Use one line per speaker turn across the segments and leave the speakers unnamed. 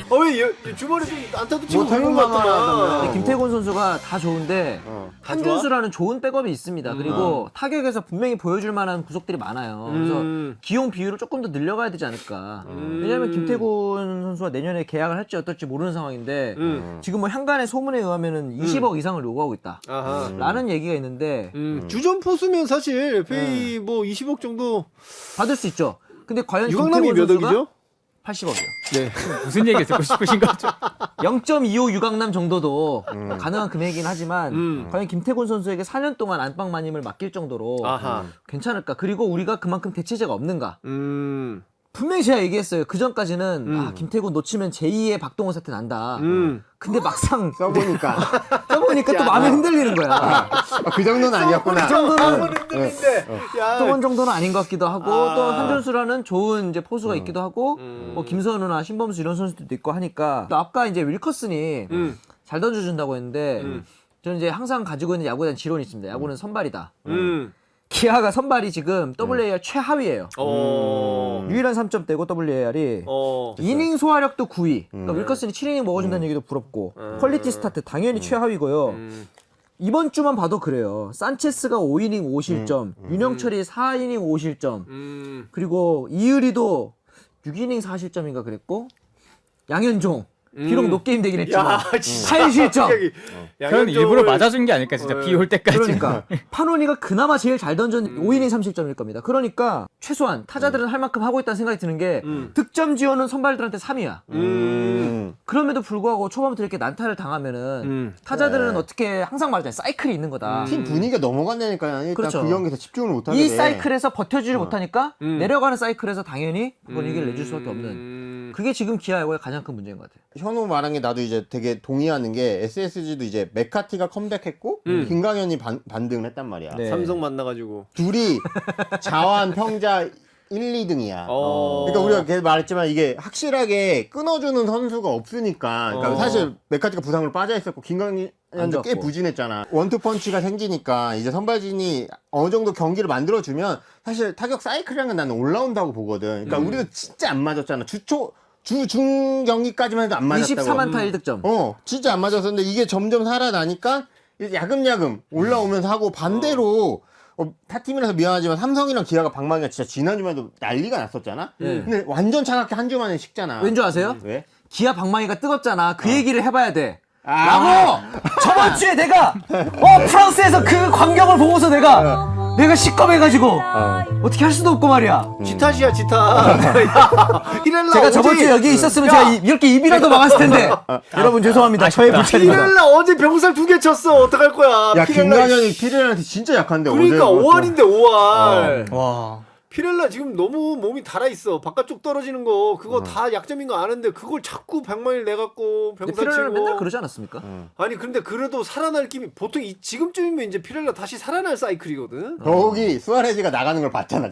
왜 주말에 좀 안타도 치고
뭐
그런 것 같더만.
근데 김태곤 선수가 다 좋은데 한준수라는 좋은 백업이 있습니다. 그리고 타격에서 분명히 보여줄 만한 구석들이 많아요. 그래서 기용 비율을 조금 더 늘려가야 되지 않을까. 왜냐하면 김태곤 선수가 내년에 계약을 할지 어떨지 모르는 상황인데 지금 뭐 향간의 소문에 의하면은 20억 이상을 요구하고 있다. 라는 얘기가 있는데
주전 포수면 사실 페이 뭐 20억 정도
받을 수 있죠. 근데 과연
유강남이
김태곤
몇
선수가
억이죠?
80억이요.
네.
무슨 얘기를 듣고 싶으신 거죠?
0.25 유강남 정도도 가능한 금액이긴 하지만 과연 김태곤 선수에게 4년 동안 안방 마님을 맡길 정도로
아하.
괜찮을까? 그리고 우리가 그만큼 대체제가 없는가? 분명히 제가 얘기했어요. 그 전까지는 김태곤 놓치면 제2의 박동원 사태 난다. 근데 막상
써보니까
써보니까 또 마음이 흔들리는 거야.
그 정도는 아니었구나.
그 정도는
흔들린데. 야.
박동원 정도는 아닌 것 같기도 하고 또 한준수라는 좋은 이제 포수가 있기도 하고 뭐 김선우나 신범수 이런 선수들도 있고 하니까 또 아까 이제 윌커슨이 잘 던져준다고 했는데 저는 이제 항상 가지고 있는 야구에 대한 지론이 있습니다. 야구는 선발이다. 기아가 선발이 지금 WAR 최하위예요. 유일한 3점대고 WAR이 이닝 소화력도 9위. 그러니까 윌커슨이 7이닝 먹어준다는 얘기도 부럽고 퀄리티 스타트 당연히 최하위고요. 이번 주만 봐도 그래요. 산체스가 5이닝 5실점, 윤영철이 4이닝 5실점, 그리고 이의리도 6이닝 4실점인가 그랬고 양현종 비록 높게임 되긴 했지만 8실점.
그건 일부러 맞아준 게 아닐까 진짜 비 올 때까지.
그러니까 파노니가 그나마 제일 잘 던전 5이닝 3실점일 겁니다. 그러니까 최소한 타자들은 할 만큼 하고 있다는 생각이 드는 게 득점 지원은 선발들한테 3위야. 그럼에도 불구하고 초반부터 이렇게 난타를 당하면은 타자들은 어떻게 항상 말하잖아요. 사이클이 있는 거다.
팀 분위기가 넘어간다니까 일단
그렇죠.
그 경기에서 집중을 못하게
이
돼.
사이클에서 버텨주지 못하니까 내려가는 사이클에서 당연히 분위기를 내줄 수밖에 없는 그게 지금 기아 야구의 가장 큰 문제인 것 같아요.
현우 말한 게 나도 이제 되게 동의하는 게 SSG도 이제 메카티가 컴백했고 김강현이 반등을 했단 말이야.
네.
삼성 만나가지고.
둘이 자완 평자 1, 2등이야.
어.
그러니까 우리가 계속 말했지만 이게 확실하게 끊어주는 선수가 없으니까 그러니까 사실 메카티가 부상으로 빠져 있었고 김강현도 꽤
좋았고.
부진했잖아. 원투펀치가 생기니까 이제 선발진이 어느 정도 경기를 만들어주면 사실 타격 사이클이라는 건 나는 올라온다고 보거든. 그러니까 우리도 진짜 안 맞았잖아. 주중 경기까지만 해도 안 맞았다고.
24만타 1득점.
진짜 안 맞았었는데 이게 점점 살아나니까 이제 야금야금 올라오면서 하고 반대로 타팀이라서 미안하지만 삼성이랑 기아가 방망이가 진짜 지난주에도 난리가 났었잖아. 근데 완전 차갑게 한 주 만에 식잖아.
왠 줄 아세요?
왜?
기아 방망이가 뜨겁잖아. 그 얘기를 해봐야 돼. 라고 저번 주에 내가 프랑스에서 그 광경을 보고서 내가 시겁해가지고 어떻게 할 수도 없고 말이야.
지타시야 지타. 히렐라
제가 저번 주에 여기 있었으면 제가 이렇게 입이라도 막았을 텐데. 여러분 죄송합니다. 저의 불찰입니다.
히렐라 어제 병살 2개 쳤어. 어떡할 거야.
야
피렐라.
김강현이 피렐라한테 진짜 약한데
그러니까
어제
5할인데 5할.
와.
피렐라 지금 너무 몸이 달아있어. 바깥쪽 떨어지는 거 그거 다 약점인 거 아는데 그걸 자꾸 방망이를 내갖고
근데
병살
피렐라는 맨날
치고.
그러지 않았습니까?
아니 근데 그래도 살아날 김이 보통 지금쯤이면 이제 피렐라 다시 살아날 사이클이거든.
더욱이 수아레즈가 나가는 걸 봤잖아.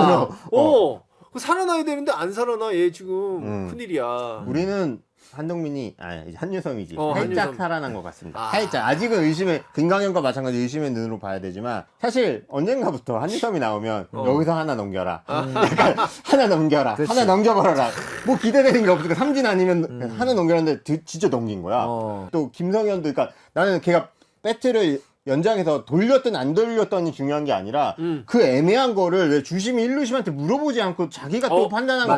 그 살아나야 되는데 안 살아나 얘 지금 큰일이야.
우리는 한동민이 이제 한유섬이지 살짝
한유섬.
살아난 것 같습니다. 살짝 아직은 김강현과 마찬가지 의심의 눈으로 봐야 되지만 사실 언젠가부터 한유섬이 나오면 여기서 하나 넘겨라. 약간 하나 넘겨라.
그치.
하나 넘겨버려라. 뭐 기대되는 게 없으니까 삼진 아니면 하나 넘겨라는데 진짜 넘긴 거야. 또 김성현도 그러니까 나는 걔가 배트를 연장해서 돌렸든 안 돌렸든이 중요한 게 아니라 그 애매한 거를 왜 주심이 1루심한테 물어보지 않고 자기가 또 판단하는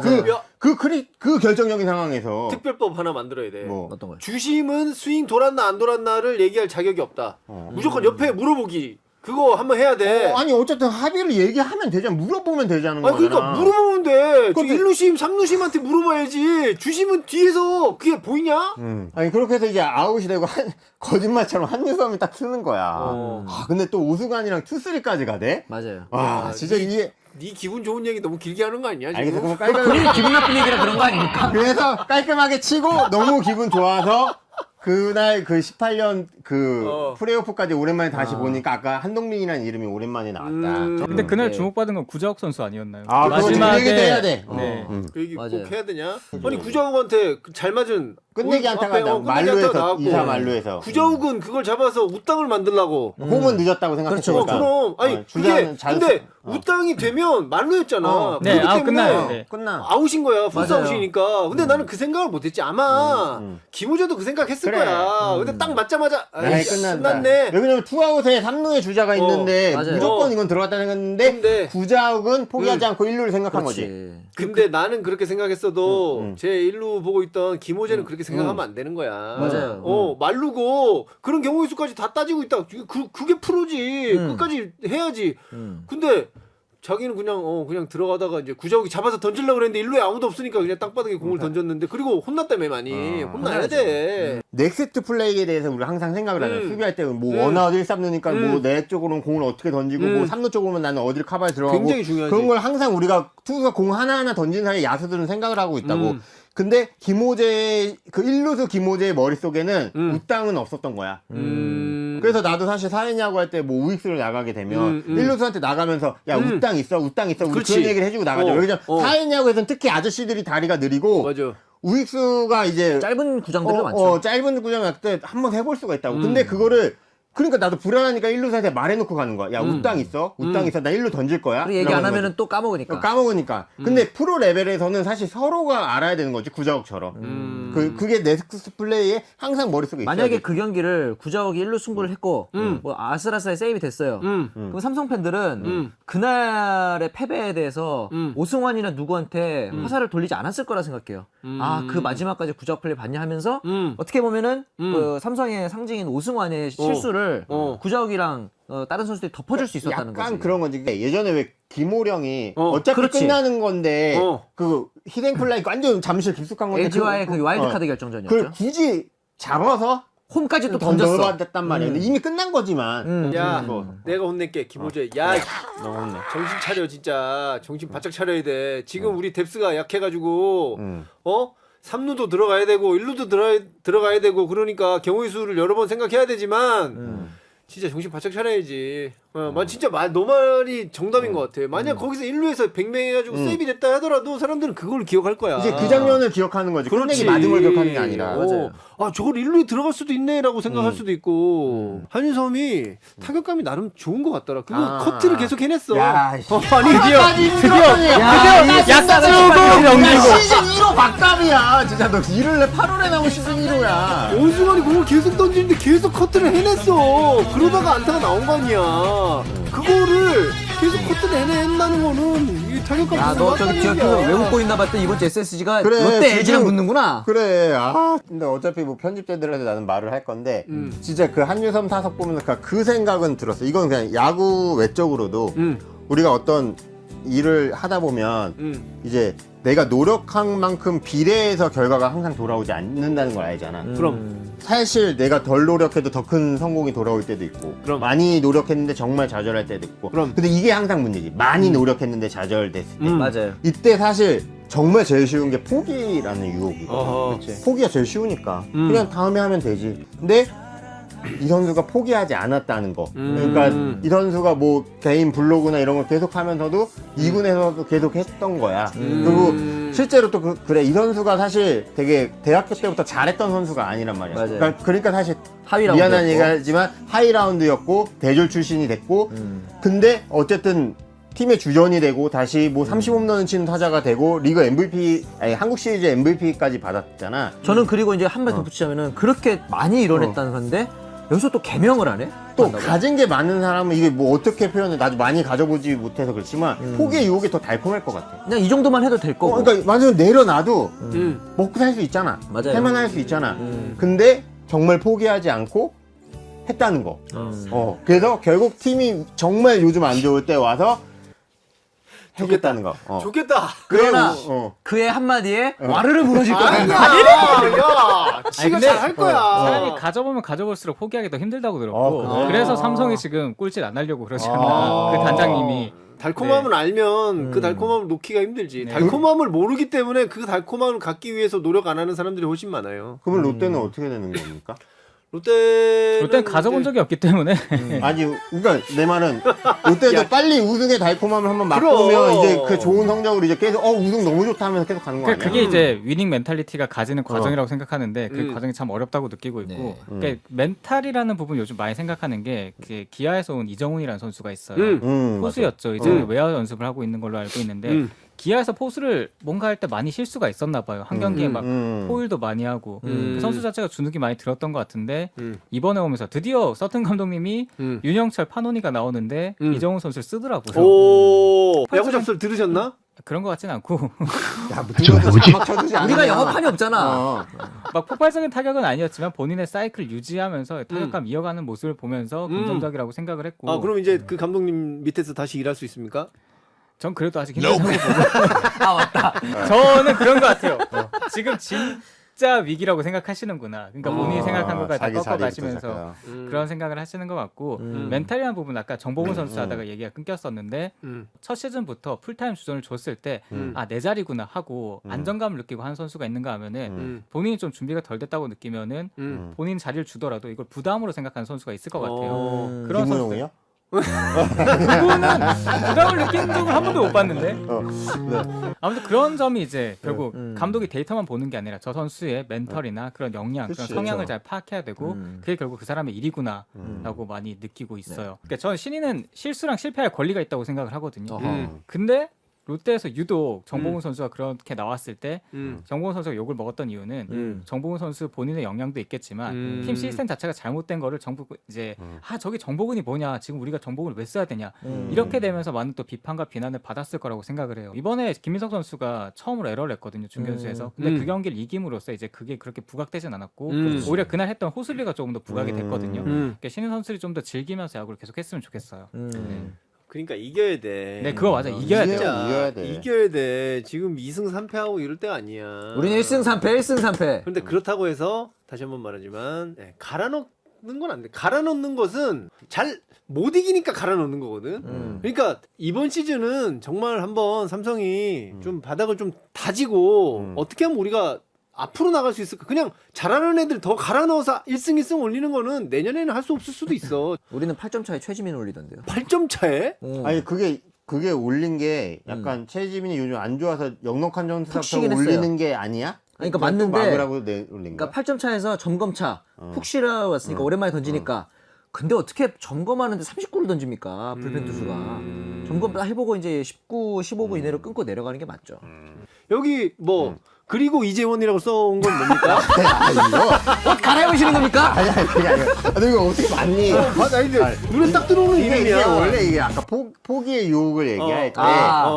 그 결정적인 상황에서
특별법 하나 만들어야 돼.
뭐
어떤 거요?
주심은 스윙 돌았나 안 돌았나를 얘기할 자격이 없다. 무조건 옆에 물어보기. 그거 한번 해야 돼.
아니 어쨌든 합의를 얘기하면 되잖아. 물어보면 되자는 거잖아.
그러니까 물어보면 돼. 1루심, 3루심한테 물어봐야지. 주심은 뒤에서 그게 보이냐?
아니 그렇게 해서 이제 아웃이 되고 거짓말처럼 한유섬이 딱 쓰는 거야. 근데 또 오수관이랑 투쓰리까지 가대?
맞아요.
와 진짜 이게
네 기분 좋은 얘기 너무 길게 하는 거 아니야? 지금?
알겠어. 그럼
본인
깔끔하게
기분 나쁜 얘기라 그런 거 아닙니까?
그래서 깔끔하게 치고 너무 기분 좋아서 그날 그 18년 그 플레이오프까지 오랜만에 다시 보니까 아까 한동민이라는 이름이 오랜만에 나왔다.
근데 그날 주목받은 건 구자욱 선수 아니었나요?
그거 그 얘기도 해야 돼.
네.
그 얘기
맞아요.
꼭 해야 되냐? 아니 구자욱한테 잘 맞은
끝내기 안타가 나 말루에서 2사 말루에서
구자욱은 그걸 잡아서 우땅을 만들라고.
홈은 늦었다고 생각했으니까.
그럼 아니 그게 근데 우땅이 되면 말루였잖아.
네,
그렇기 때문에
끝나요. 네.
끝나.
아웃인 거야. 풀스
맞아요.
아웃이니까. 근데 나는 그 생각을 못했지. 아마 김우재도 그 생각했을
그래.
거야. 근데 딱 맞자마자
아이, 끝난다.
끝났네.
왜냐면 투아웃에 3루에 주자가 있는데
맞아요.
무조건 이건 들어갔다 생각했는데
근데
구자욱은 포기하지 않고 1루를 생각한 거지.
그렇지.
근데 나는 그렇게 생각했어도 제 1루 보고 있던 김호재는 그렇게 생각하면 안 되는 거야.
맞아요.
말루고 그런 경우의 수까지 다 따지고 있다. 그게 프로지. 끝까지 해야지. 근데 자기는 그냥 들어가다가 이제 구자욱이 잡아서 던지려고 그랬는데 1루에 아무도 없으니까 그냥 땅바닥에 공을 던졌는데 그리고 혼났다며 많이. 혼나야 돼.
넥스트 플레이에 대해서 우리가 항상 생각을 하잖아. 수비할 때 뭐 원아웃 1-3루니까 뭐 내 쪽으로는 공을 어떻게 던지고 뭐 3루 쪽으로는 나는 어디를 커버에 들어가고
굉장히 중요하지.
그런 걸 항상 우리가 투수가 공 하나하나 던지는 사이에 야수들은 생각을 하고 있다고. 근데 김호재 그 1루수 김호재의 머릿속에는 우땅은 없었던 거야. 그래서 나도 사실 사회냐고 할 때 뭐 우익수를 나가게 되면 1루수한테 나가면서 야 우땅 있어 우리
그렇지.
그런 얘기를 해주고 나가죠. 왜냐면 사회냐고에서는 특히 아저씨들이 다리가 느리고
맞아.
우익수가 이제
짧은 구장들도 많죠.
짧은 구장 할 때 한번 해볼 수가 있다고. 근데 그거를 그러니까 나도 불안하니까 1루수한테 말해놓고 가는 거야. 야 우땅 있어? 우땅 있어? 나 1루 던질 거야?
그리고 얘기 안
이러는
하면은 또 까먹으니까.
까먹으니까. 근데 프로 레벨에서는 사실 서로가 알아야 되는 거지 구자욱처럼. 그게 넥스트 플레이에 항상 머릿속에 있어야
만약에
돼.
그 경기를 구자욱이 1루 승부를 했고 뭐 아슬아슬하게 세이브 됐어요. 그럼 삼성 팬들은 그날의 패배에 대해서 오승환이나 누구한테 화살을 돌리지 않았을 거라 생각해요. 아, 그 마지막까지 구자욱 플레이 봤냐 하면서 어떻게 보면은 그 삼성의 상징인 오승환의 실수를 구자욱이랑 다른 선수들이 덮어줄 수 있었다는
약간
거지.
그런 거지. 예전에 왜 김호령이 어차피
그렇지.
끝나는 건데 그 히딩플라이 완전 잠실 깊숙한 건데
LG와의 그 와일드카드 결정전이었죠.
그걸 굳이 잡아서
홈까지 또
던졌어.
던졌어.
단 말이야. 근데 이미 끝난 거지만.
야, 내가 혼낼게. 김호재. 야,
너무 혼내.
정신 차려 진짜. 정신 바짝 차려야 돼. 지금 우리 뎁스가 약해가지고 3루도 들어가야 되고 1루도 들어가야 되고 그러니까 경우의 수를 여러 번 생각해야 되지만 진짜 정신 바짝 차려야지. 진짜 너 말이 정답인 것 같아. 만약 거기서 1루에서 100명 해가지고 세이브 됐다 하더라도 사람들은 그걸 기억할 거야.
이제 그 장면을 기억하는 거지.
그렇지.
끝내기 맞은 걸 기억하는 게 아니라.
맞아요.
아, 저걸 1루에 들어갈 수도 있네라고 생각할 수도 있고. 한유섬이 타격감이 나름 좋은 것 같더라. 그리고 커트를 계속 해냈어.
야,
아니,
약속을 넘기고 시즌 1호 박감이야. 진짜 너 1월에 8월에 나온 시즌 1호야.
오승환이 공을 계속 던지는데 계속 커트를 해냈어. 그러다가 안타가 나온 거 아니야. 그거를 계속 커트를 해낸다는 거는 이 타격감.
야, 너 저기 뒤에서 왜 웃고 있나 봤더니 이번 주 SSG가
그래,
롯데
지금-
LG랑 붙는구나.
그래. 근데 어차피 뭐 편집자들한테 나는 말을 할 건데 진짜 그 한유섬 타석 보면서 그 생각은 들었어. 이건 그냥 야구 외적으로도 우리가 어떤 일을 하다 보면 이제 내가 노력한 만큼 비례해서 결과가 항상 돌아오지 않는다는 걸 알잖아.
그럼.
사실 내가 덜 노력해도 더 큰 성공이 돌아올 때도 있고
그럼.
많이 노력했는데 정말 좌절할 때도 있고
그럼.
근데 이게 항상 문제지. 많이 노력했는데 좌절됐을 때
맞아요.
이때 사실 정말 제일 쉬운 게 포기라는 유혹이거든.
어허.
포기가 제일 쉬우니까 그냥 다음에 하면 되지. 근데 이 선수가 포기하지 않았다는 거. 그러니까 이 선수가 뭐 개인 블로그나 이런 걸 계속 하면서도 2군에서도 계속 했던 거야. 그리고 실제로 또 그래. 이 선수가 사실 되게 대학교 때부터 잘했던 선수가 아니란 말이야.
맞아요.
그러니까 사실
하위
미안한
라운드였고.
얘기하지만 하이 라운드였고 대졸 출신이 됐고 근데 어쨌든 팀의 주전이 되고 다시 뭐 30홈런을 치는 타자가 되고 리그 MVP 아니 한국 시리즈 MVP까지 받았잖아.
저는 그리고 이제 한 발 덧붙이자면은 그렇게 많이 이뤄냈다는 건데 여기서 또 개명을 안 해?
또
한다고?
가진 게 많은 사람은 이게 뭐 어떻게 표현해 나도 많이 가져보지 못해서 그렇지만 포기의 유혹이 더 달콤할 것 같아.
그냥 이 정도만 해도 될 거고.
그러니까 완전 내려놔도 먹고 살 수 있잖아.
맞아요.
할만할 수 있잖아. 근데 정말 포기하지 않고 했다는 거. 그래서 결국 팀이 정말 요즘 안 좋을 때 와서 해줬다는 거.
좋겠다.
그러나
그래,
그의 한마디에 와르르 무너질 거야.
아니야. 야, 지가
근데
잘할 거야.
사람이 가져보면 가져볼수록 포기하기 더 힘들다고 들었고
그래?
그래서 삼성이 지금 꼴찌를 안 하려고 그러잖아. 그 단장님이.
달콤함을 알면 그 달콤함을 놓기가 힘들지. 달콤함을 모르기 때문에 그 달콤함을 갖기 위해서 노력 안 하는 사람들이 훨씬 많아요.
그러면 롯데는 어떻게 되는 겁니까?
롯데는
가져본 적이 없기 때문에
아니 그러니까 내 말은 롯데도 빨리 우승의 달콤함을 한번 맛보면
그럼.
이제 그 좋은 성적으로 이제 계속 우승 너무 좋다 하면서 계속 가는 거 아니야?
그게 이제 위닝 멘탈리티가 가지는 과정이라고 생각하는데 그 과정이 참 어렵다고 느끼고 있고
네.
그러니까 멘탈이라는 부분 요즘 많이 생각하는 게 기아에서 온 이정훈이라는 선수가 있어요. 포수였죠. 이제 외야 연습을 하고 있는 걸로 알고 있는데 기아에서 포수를 뭔가 할 때 많이 실수가 있었나 봐요. 한 경기에 막 포일도 많이 하고 그 선수 자체가 주눅이 많이 들었던 것 같은데 이번에 오면서 드디어 서튼 감독님이 윤영철 파노니가 나오는데 이정훈 선수를 쓰더라고요.
오 야구 잡설 들으셨나?
그런 것 같진 않고
야, 무슨 자막 쳐주지 않냐?
우리가 영어판이 없잖아.
막 폭발적인 타격은 아니었지만 본인의 사이클 유지하면서 타격감 이어가는 모습을 보면서 긍정적이라고 생각을 했고
아 그럼 이제 그 감독님 밑에서 다시 일할 수 있습니까?
전 그래도 아직 힘들다고 보고 아 맞다 저는 그런 것 같아요. 지금 진짜 위기라고 생각하시는구나. 그러니까 본인이 생각한 것까지 다
자기 자리부터
꺾어가시면서 그런 생각을 하시는 것 같고 멘탈이라는 부분 아까 정보훈 선수 하다가 얘기가 끊겼었는데 첫 시즌부터 풀타임 주전을 줬을 때 아 내 자리구나 하고 안정감을 느끼고 하는 선수가 있는가 하면은 본인이 좀 준비가 덜 됐다고 느끼면은 본인 자리를 주더라도 이걸 부담으로 생각하는 선수가 있을 것 같아요. 그런 선수
김문용이요?
그분은 부담을 느끼는 적을 한 번도 못 봤는데 아무튼 그런 점이 이제 결국 감독이 데이터만 보는 게 아니라 저 선수의 멘털이나 그런 역량, 그런
그치,
성향을 잘 파악해야 되고 그게 결국 그 사람의 일이구나라고 많이 느끼고 있어요. 그러니까 저는 신인은 실수랑 실패할 권리가 있다고 생각을 하거든요. 근데 롯데에서 유독 정보훈 선수가 그렇게 나왔을 때 정보훈 선수가 욕을 먹었던 이유는 정보훈 선수 본인의 역량도 있겠지만 팀 시스템 자체가 잘못된 거를 정부 이제 저기 정보훈이 뭐냐 지금 우리가 정보훈을 왜 써야 되냐 이렇게 되면서 많은 또 비판과 비난을 받았을 거라고 생각을 해요. 이번에 김민석 선수가 처음으로 에러를 했거든요 중견수에서. 근데 그 경기를 이김으로써 이제 그게 그렇게 부각되진 않았고 오히려 그날 했던 호슬리가 조금 더 부각이 됐거든요. 그러니까 신인 선수들이 좀 더 즐기면서 야구를 계속 했으면 좋겠어요.
그러니까 이겨야 돼.
네 그거 맞아 이겨야 돼요.
이겨야 돼.
이겨야 돼. 지금 2승 3패하고 이럴 때가 아니야.
우리는 1승 3패, 1승 3패.
그런데 그렇다고 해서 다시 한번 말하지만 갈아 넣는 건 안 돼. 갈아 넣는 것은 잘 못 이기니까 갈아 넣는 거거든. 그러니까 이번 시즌은 정말 한번 삼성이 좀 바닥을 좀 다지고 어떻게 하면 우리가 앞으로 나갈 수 있을까? 그냥 잘하는 애들 더 갈아 넣어서 1승 1승 올리는 거는 내년에는 할 수 없을 수도 있어.
우리는 8점 차에 최지민 올리던데요.
8점 차에?
아니 그게 올린 게 약간 최지민이 요즘 안 좋아서 역넉한
푹
점수부터
쉬긴
올리는
했어요.
게 아니야?
그러니까
그걸 또
맞는데
막으라고 올린 거야?
그러니까 8점 차에서 점검차 푹 쉬러 왔으니까 오랜만에 던지니까 근데 어떻게 점검하는데 30구를 던집니까? 불펜 투수가. 점검 다 해보고 이제 19, 15분 이내로 끊고 내려가는 게 맞죠.
여기 뭐 그리고 이재원이라고 써온 건 뭡니까?
이거?
옷 갈아입으시는 겁니까?
아니 그게 아니라 너 이거 어떻게 맞니?
맞아, 이제 눈에 딱 들어오는
이게
이름이야.
원래 이게 아까 포기의 유혹을 얘기할 때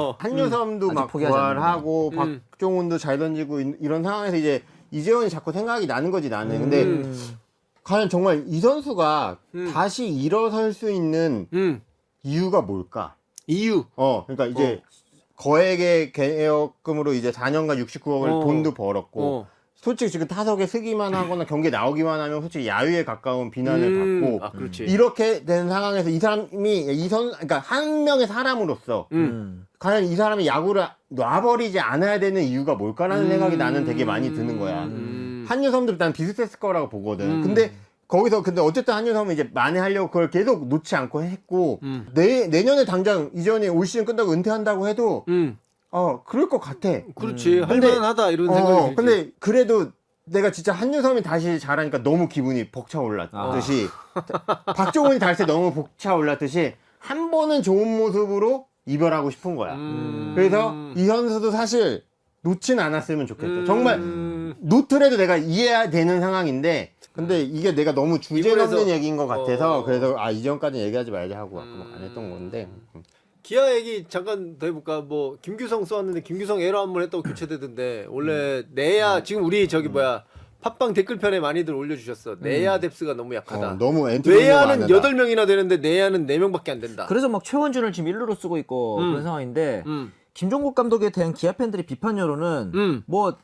한유섬도 막
포기하지
부활하고 박종훈도 잘 던지고 이런 상황에서 이제 이재원이 자꾸 생각이 나는 거지 나는. 근데 과연 정말 이 선수가 다시 일어설 수 있는 이유가 뭘까?
이유.
그러니까 이제 거액의 계약금으로 이제 4년간 69억을 돈도 벌었고 솔직히 지금 타석에 서기만 하거나 경기에 나오기만 하면 솔직히 야유에 가까운 비난을 받고
아, 그렇지.
이렇게 된 상황에서 이 사람이 그러니까 한 명의 사람으로서 과연 이 사람이 야구를 놔버리지 않아야 되는 이유가 뭘까라는 생각이 나는 되게 많이 드는 거야. 한유섬도 난 비슷했을 거라고 보거든. 근데 어쨌든 한유섬은 이제 만회하려고 그걸 계속 놓지 않고 했고 내년에 당장 이전에 올 시즌 끝나고 은퇴한다고 해도 그럴 것 같아.
그렇지. 할만하다 이런 생각이 들지.
근데 그래도 내가 진짜 한유섬이 다시 잘하니까 너무 기분이 벅차올랐듯이 박종훈이 다시 너무 벅차올랐듯이 한 번은 좋은 모습으로 이별하고 싶은 거야. 그래서 이 선수도 사실 놓진 않았으면 좋겠어. 정말 놓더라도 내가 이해되는 상황인데 근데 이게 내가 너무 주제넘는 얘기인 것 같아서 그래서 이전까지 얘기하지 말자 하고 안 했던 건데
기아 얘기 잠깐 더 해볼까? 뭐 김규성 써왔는데 김규성 에러 한 번 했다고 교체되던데 원래 내야 지금 우리 저기 뭐야 팟빵 댓글편에 많이들 올려주셨어. 내야 뎁스가 너무 약하다.
너무
외야는 8명이나 되는데 내야는 4명밖에 안 된다.
그래서 막 최원준을 지금 1루로 쓰고 있고 그런 상황인데 김종국 감독에 대한 기아 팬들의 비판 여론은 뭐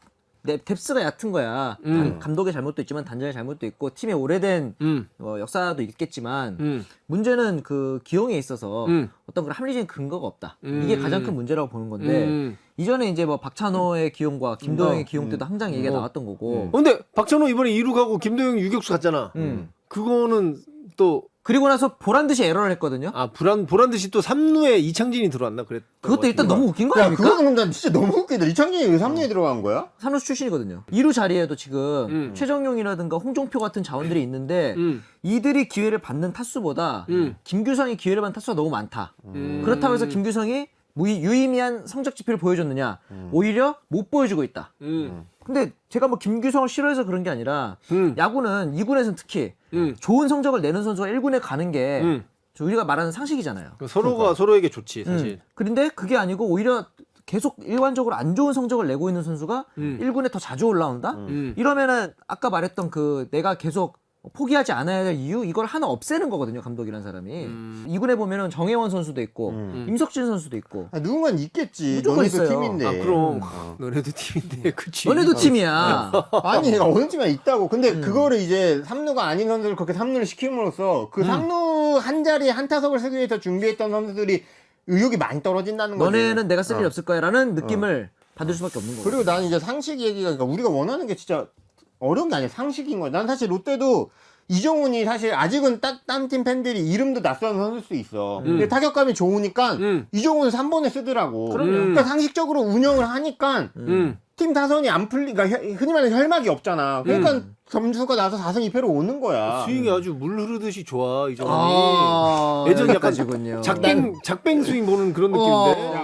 뎁스가 얕은 거야. 감독의 잘못도 있지만 단장의 잘못도 있고 팀의 오래된 역사도 있겠지만 문제는 그 기용에 있어서 어떤 그런 합리적인 근거가 없다. 이게 가장 큰 문제라고 보는 건데 이전에 이제 뭐 박찬호의 기용과 김도영의 기용 때도 항상 얘기가 나왔던 거고.
근데 박찬호 이번에 2루 가고 김도영 유격수 갔잖아. 그거는 또
그리고 나서 보란 듯이 에러를 했거든요.
보란 듯이 또 3루에 이창진이 들어왔나 그랬던
그것도 일단 너무 웃긴 거
야,
아닙니까?
그거는 근데 진짜 너무 웃기다. 이창진이 왜 3루에 들어간 거야?
삼루수 출신이거든요. 2루 자리에도 지금 최정용이라든가 홍종표 같은 자원들이 있는데 이들이 기회를 받는 타수보다 김규성이 기회를 받는 타수가 너무 많다. 그렇다고 해서 김규성이 유의미한 성적 지표를 보여줬느냐? 오히려 못 보여주고 있다. 근데 제가 뭐 김규성을 싫어해서 그런 게 아니라 야구는 2군에서는 특히 좋은 성적을 내는 선수가 1군에 가는 게 우리가 말하는 상식이잖아요.
서로가 서로에게 좋지 사실.
그런데 그게 아니고 오히려 계속 일관적으로 안 좋은 성적을 내고 있는 선수가 1군에 더 자주 올라온다? 이러면은 아까 말했던 그 내가 계속 포기하지 않아야 될 이유 이걸 하나 없애는 거거든요, 감독이란 사람이. 2군에 보면은 정혜원 선수도 있고 임석진 선수도 있고.
누군가는 있겠지.
무조건
너네도
있어요.
팀인데.
그럼 너네도 팀인데 그치.
너네도 팀이야.
아니 어느 팀에 있다고. 근데 그거를 이제 3루가 아닌 선수를 그렇게 3루를 시킴으로써 그 3루 한 자리에 한 타석을 쓰기 위해서 준비했던 선수들이 의욕이 많이 떨어진다는 거지.
너네는 내가 쓸 일 없을 거야라는 느낌을 받을 수밖에 없는 거고.
그리고 나는 이제 상식 얘기가 그러니까 우리가 원하는 게 진짜 어려운 게 아니야. 상식인 거야. 난 사실 롯데도 이정훈이 사실 아직은 딴 팀 팬들이 이름도 낯선 선수일 수 있어. 근데 타격감이 좋으니까 이정훈을 3번에 쓰더라고. 그러니까 상식적으로 운영을 하니까 팀 타선이 안 풀리니까 흔히 말하는 혈막이 없잖아. 그러니까 점수가 나서 4승 2패로 오는 거야.
스윙이 아주 물 흐르듯이 좋아 이정훈이.
아,
예전 약간
여기까지군요.
작뱅 스윙 보는 그런 느낌인데.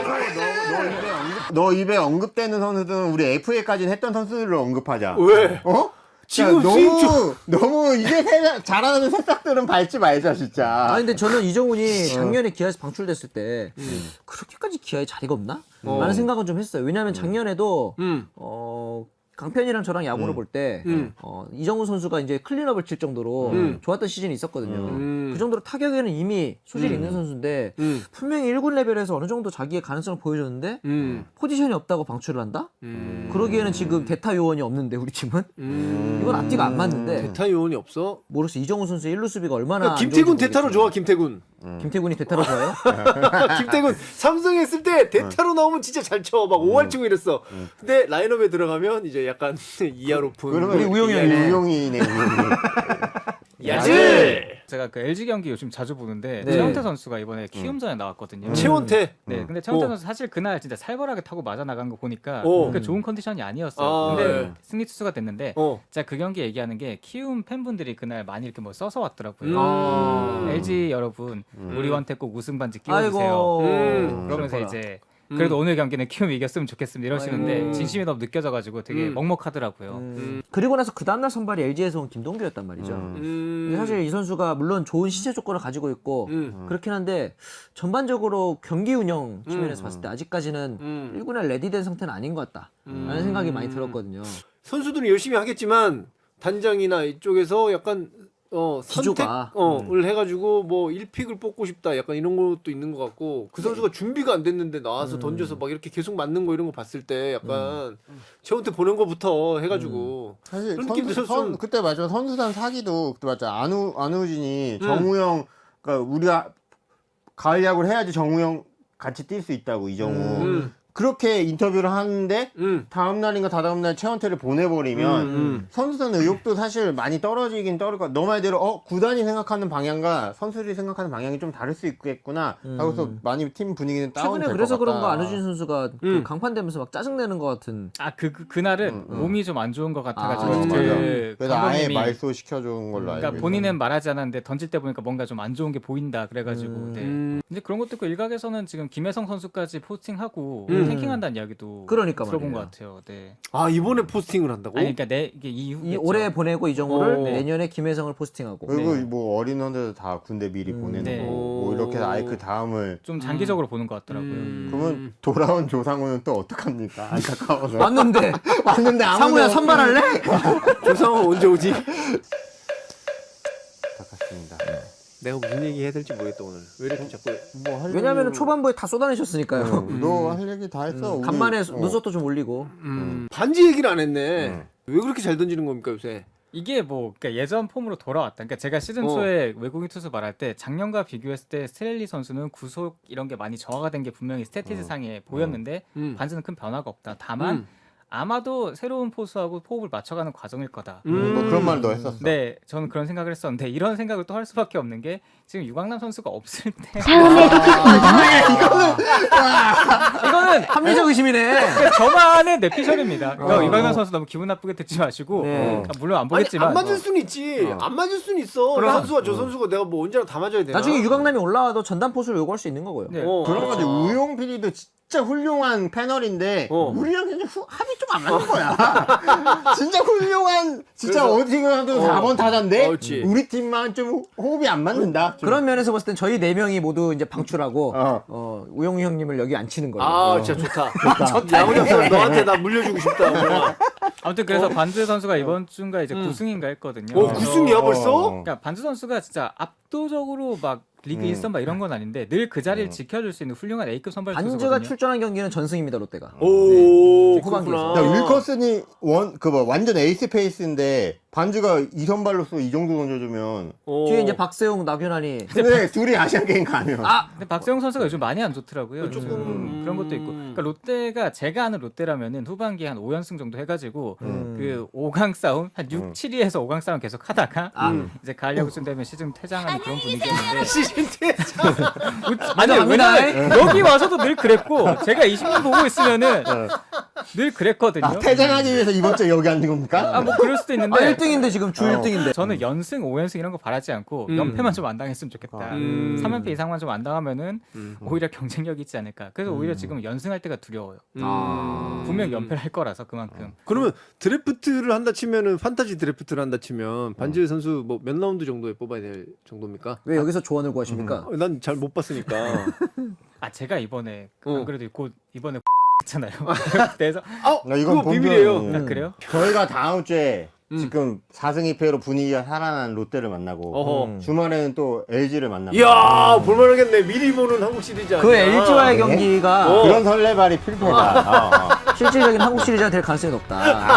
너 입에 언급되는 선수들은 우리 FA까지는 했던 선수들을 언급하자.
왜?
어?
지금
야,
스윙
너무 이제 잘하는 새싹들은 밟지 말자 진짜.
아 근데 저는 이정훈이 작년에 기아에서 방출됐을 때 그렇게까지 기아에 자리가 없나? 라는 생각은 좀 했어요. 왜냐하면 작년에도 강편이랑 저랑 야구를 볼 때 이정훈 선수가 이제 클린업을 칠 정도로 좋았던 시즌이 있었거든요. 그 정도로 타격에는 이미 소질이 있는 선수인데 분명히 1군 레벨에서 어느 정도 자기의 가능성을 보여줬는데 포지션이 없다고 방출을 한다? 그러기에는 지금 대타 요원이 없는데 우리 팀은? 이건 앞뒤가 안 맞는데
대타 요원이 없어?
모르겠어. 이정훈 선수의 1루 수비가 얼마나 안
김태군
좋은지
대타로
모르겠지만.
좋아 김태군.
김태군이 대타로 좋아요?
김태군 삼성 했을 때 대타로 나오면 진짜 잘 쳐. 막 5할 치고 이랬어. 근데 라인업에 들어가면 이제 약간 이하 높은.
그러면
우리 우용이 형이네.
우용이네.
야지.
제가 그 LG 경기 요즘 자주 보는데
네.
최원태 선수가 이번에 키움전에 나왔거든요.
최원태.
네, 근데 최원태 선수 사실 그날 진짜 살벌하게 타고 맞아 나간 거 보니까
오.
그렇게 좋은 컨디션이 아니었어요.
아,
근데
네.
승리 투수가 됐는데 제가 그 경기 얘기하는 게 키움 팬분들이 그날 많이 이렇게 뭐 써서 왔더라고요. LG 여러분, 우리 원태 꼭 우승 반지 끼워주세요.
아이고.
그러면서
슬퍼라.
이제 그래도 오늘 경기는 키움이 이겼으면 좋겠습니다 이러시는데
아이고.
진심이 너무 느껴져가지고 되게 먹먹하더라고요.
그리고 나서 그 다음날 선발이 LG에서 온 김동규였단 말이죠. 근데 사실 이 선수가 물론 좋은 신체 조건을 가지고 있고 그렇긴 한데 전반적으로 경기 운영 측면에서 봤을 때 아직까지는 1군에 레디된 상태는 아닌 것 같다라는 생각이 많이 들었거든요.
선수들은 열심히 하겠지만 단장이나 이쪽에서 약간
기조가.
선택을 해가지고 뭐 1픽을 뽑고 싶다 약간 이런 것도 있는 것 같고 그 선수가 준비가 안 됐는데 나와서 던져서 막 이렇게 계속 맞는 거 이런 거 봤을 때 약간 최원태 보낸 거부터 해가지고
사실
그런 느낌도 좀
그때 맞아 선수단 사기도 그때 맞아 안우진이 정우영 그러니까 우리가 가을 야구를 해야지 정우영 같이 뛸 수 있다고 이정우 그렇게 인터뷰를 하는데 다음 날인가 다다음 날 최원태를 보내버리면 선수단 의욕도 사실 많이 떨어지긴 떨어질 거야. 너 말대로 구단이 생각하는 방향과 선수들이 생각하는 방향이 좀 다를 수 있겠구나 하고서 많이 팀 분위기는 다운될 것 같다.
최근에 그래서 그런가 안우진 선수가 그 강판되면서 막 짜증내는 것 같은.
그날은 몸이 좀 안 좋은 것 같아가지고
맞아.
그래서 아예
감독님이
말소 시켜준 걸로 알고
그러니까
있어요.
본인은 말하지 않았는데 던질 때 보니까 뭔가 좀 안 좋은 게 보인다 그래가지고 네. 근데 그런 것도 있고 일각에서는 지금 김혜성 선수까지 포스팅하고 탱킹한다는 이야기도
그러니까
들어본
말이에요.
것 같아요. 네.
아 이번에 포스팅을 한다고?
아니 그러니까 이게 이후겠죠.
올해 보내고 이정우를 내년에 김혜성을 포스팅하고.
그리고 뭐 어린 선수들 다 군대 미리 보내는
네.
거. 뭐 이렇게 아예 그 다음을
좀 장기적으로 보는 것 같더라고요.
그러면 돌아온 조상우는 또 어떡합니까? 안타까워서.
왔는데
왔는데 아무도
상우야 선발할래?
조상호 언제 오지?
안타깝습니다.
내가 무슨 얘기 해야 될지 모르겠다 오늘. 왜 이렇게 자꾸
뭐할
왜냐면은 초반부에 다 쏟아내셨으니까요.
너 할 얘기 다 했어. 우리.
간만에 눈썹도 좀 올리고.
반지 얘기를 안 했네. 왜 그렇게 잘 던지는 겁니까 요새?
이게 뭐 그러니까 예전 폼으로 돌아왔다. 그러니까 제가 시즌 초에 외국인 투수 말할 때 작년과 비교했을 때 스트렐리 선수는 구속 이런 게 많이 저하가 된 게 분명히 스태티스 상에 보였는데 반지는 큰 변화가 없다. 다만 아마도 새로운 포수하고 호흡을 맞춰가는 과정일 거다.
뭐 그런 말도 했었어.
네, 저는 그런 생각을 했었는데 이런 생각을 또 할 수밖에 없는 게 지금 유광남 선수가 없을 때 이거는
합리적 의심이네.
그러니까 저만의 내피셜입니다. 그러니까
어.
유광남 선수 너무 기분 나쁘게 듣지 마시고
네.
그러니까 물론 안
아니,
보겠지만
안 맞을 수는 있지. 안 맞을 수는 있어. 이 선수와 저 선수가 내가 뭐 언제나 다 맞아야 되나?
나중에 유강남이 올라와도 전담 포수를 요구할 수 있는 거고요.
네.
그런 거지. 우용 PD도 진짜 훌륭한 패널인데 우리랑 그냥 합이 좀 안 맞는 거야. 진짜 훌륭한 진짜
그래서-
어디 가도 4번 타자인데
그렇지.
우리 팀만 좀 호흡이 안 맞는다. 좀.
그런 면에서 봤을 땐 저희 4명이 모두 이제 방출하고
어.
우영우 형님을 여기 앉히는 거예요.
아 진짜 좋다. 야구 장 너한테 나 물려주고 싶다. 우영아.
아무튼 그래서 반주 선수가 이번 주인가 이제 9승인가 했거든요.
오 9승이야 벌써?
그러니까 반주 선수가 진짜 압도적으로 막 리그 1선 막 이런 건 아닌데 늘 그 자리를 지켜줄 수 있는 훌륭한 A급 선발
반주가
투수거든요.
출전한 경기는 전승입니다 롯데가.
오
후반기에서.
그렇구나.
야, 윌커슨이 완전 에이스 페이스인데 반주가 2선발로서 이 정도 던져주면
뒤에 이제 박세웅, 나균환이
근데 둘이 아시안 게임 가면
근데 박세웅 선수가 요즘 많이 안 좋더라고요.
조금,
그런 것도 있고. 그러니까 롯데가 제가 아는 롯데라면은 후반기에 한 5연승 정도 해가지고 그 5강 싸움 한 6, 7위에서 5강 싸움 계속 하다가 이제 가을 야구쯤 되면 시즌 퇴장하는 그런 분위기였는데.
시즌 퇴장.
아니
인정합니다.
왜냐면 여기 와서도 늘 그랬고 제가 20년 보고 있으면은 늘 그랬거든요.
퇴장하기 위해서 이번 주에 여기 앉은 겁니까?
뭐 그럴 수도 있는데
1등인데 지금 주 1등인데.
저는 연승 5연승 이런 거 바라지 않고 연패만 좀 안 당했으면 좋겠다. 3연패 이상만 좀 안 당하면은 오히려 경쟁력이 있지 않을까. 그래서 오히려 지금 연승할 때가 두려워요. 분명 연패를 할 거라서 그만큼.
그러면 드래프트를 한다 치면은 판타지 드래프트를 한다 치면 반지 선수 뭐 몇 라운드 정도에 뽑아야 될 정도입니까?
왜 여기서 조언을 구하십니까?
난 잘 못 봤으니까.
제가 이번에 안 그래도 곧 이번에 했잖아요. 그래서
나 이건
그거 비밀이에요.
본편,
그래요?
저희가 다음 주에 지금 4승 2패로 분위기가 살아난 롯데를 만나고
어허.
주말에는 또 LG를 만나고
이야 볼만하겠네. 미리 보는 한국 시리즈 아니야?
그 LG와의 경기가
그런 설레발이 필패다.
실질적인 한국 시리즈가 될 가능성이 높다.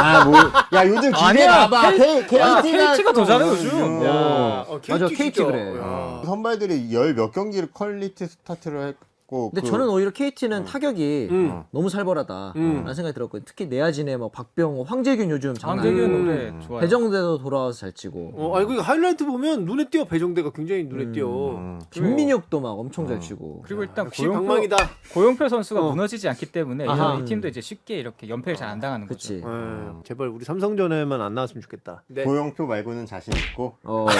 야 요즘 기대
아니야,
봐봐.
KT가 더 잘해 요즘.
야,
맞아,
KT
KT
진짜.
그래.
야.
선발들이 10몇 경기를 퀄리티 스타트를 했고
근데 저는 오히려 KT는 타격이 너무 살벌하다
음.
라는 생각이 들었거든요. 특히 내야진에 뭐 박병호, 황재균 요즘 장난
황재균
아니고
노래 좋아요.
배정대도 돌아와서 잘 치고
아니 그 하이라이트 보면 눈에 띄어. 배정대가 굉장히 눈에 띄어.
김민혁도 막 엄청 잘 치고
그리고 일단
역시 방망이다.
고용표 선수가 무너지지 않기 때문에
아하.
이 팀도 이제 쉽게 이렇게 연패를 잘 안 당하는 거죠.
그치.
제발 우리 삼성전에만 안 나왔으면 좋겠다. 네.
고영표 말고는 자신 있고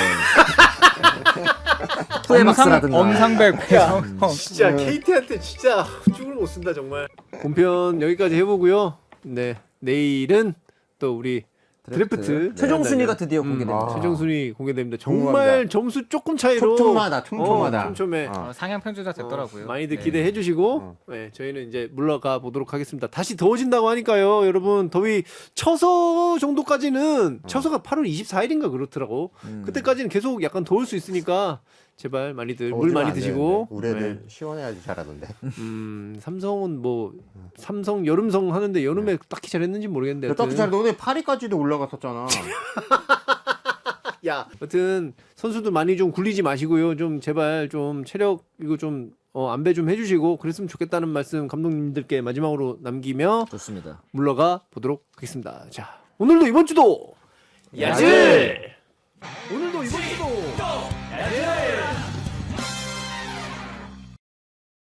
후에박스라든가
엄상백, 배성.
진짜 KT한테 진짜 죽을 못 쓴다 정말. 본편 여기까지 해보고요. 네 내일은 또 우리 드래프트
최종 순위가
네,
드디어 공개됩니다.
최종 순위 공개됩니다. 정말
궁금합니다.
점수 조금 차이로
촘촘하다.
촘촘해.
상향 평준화 됐더라고요.
많이들 기대해 주시고 네, 저희는 이제 물러가 보도록 하겠습니다. 다시 더워진다고 하니까요. 여러분 더위 처서 정도까지는 처서가 8월 24일인가 그렇더라고. 그때까지는 계속 약간 더울 수 있으니까 제발 많이들 물 많이 드시고
우리 애들 시원해야지 잘하던데.
삼성은 뭐 삼성 여름성 하는데 여름에 딱히 잘했는지 모르겠는데
야, 딱히 잘 너네 파리까지도 올라갔었잖아.
야, 여튼 선수들 많이 좀 굴리지 마시고요. 좀 제발 좀 체력 이거 좀 안배 좀 해주시고 그랬으면 좋겠다는 말씀 감독님들께 마지막으로 남기며
좋습니다.
물러가 보도록 하겠습니다. 자, 오늘도 이번 주도 야질. 오늘도 이번 주도 야질.